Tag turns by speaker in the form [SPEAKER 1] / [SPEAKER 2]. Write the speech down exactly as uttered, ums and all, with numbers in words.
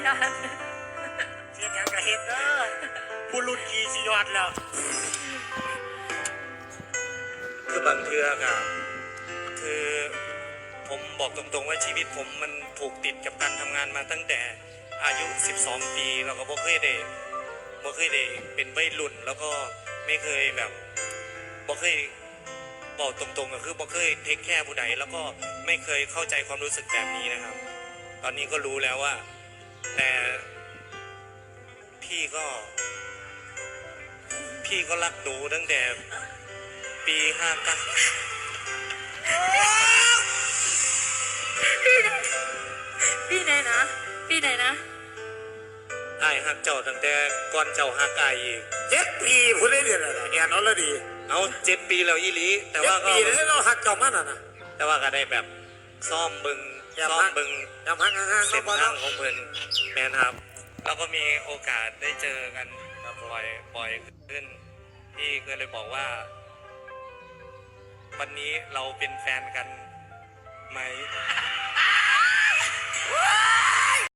[SPEAKER 1] ยอด
[SPEAKER 2] เฮ็ดยังกะเฮ็ดเด้อผู้รุ่นขี่สิยอดแล้วคือบางเทือกอะคือผมบอกตรงๆว่าชีวิตผมมันผูกติดกับการทำงานมาตั้งแต่อายุสิบสองปีแล้วก็บ่เคยได้บ่เคยได้เป็นวัยรุ่นแล้วก็ไม่เคยแบบบ่เคยบอกตรงๆก็คือบ่เคยเทคแคร์ผู้ใดแล้วก็ไม่เคยเข้าใจความรู้สึกแบบนี้นะครับตอนนี้ก็รู้แล้วว่าแต่พี่ก็พี่ก็รักหนูตั้งแต่ปีห้าเก้า
[SPEAKER 1] พี่ไหนนะพี่ไหนนะ
[SPEAKER 2] ไอ้ฮักเจ้าตั้งแต่ก่อนเจ้าฮักไอ้อีกเจ็ดปีพูดได้เดือนอะไรแอนเอาละดีเอาเจ็ดปีแล้วอีหลีแต่ว่าก็เจ็ดปีแล้วเราฮักเจ้ามันอ่ะนะแต่ว่าก็ได้แบบซ่อมบึงซ่อมบึงยำฮักห่างๆเส้นทางของเพิ่นแมนครับแล้วก็มีโอกาสได้เจอกันบ่อยบ่อยขึ้นพี่ก็เลยบอกว่าวันนี้เราเป็นแฟนกันไหม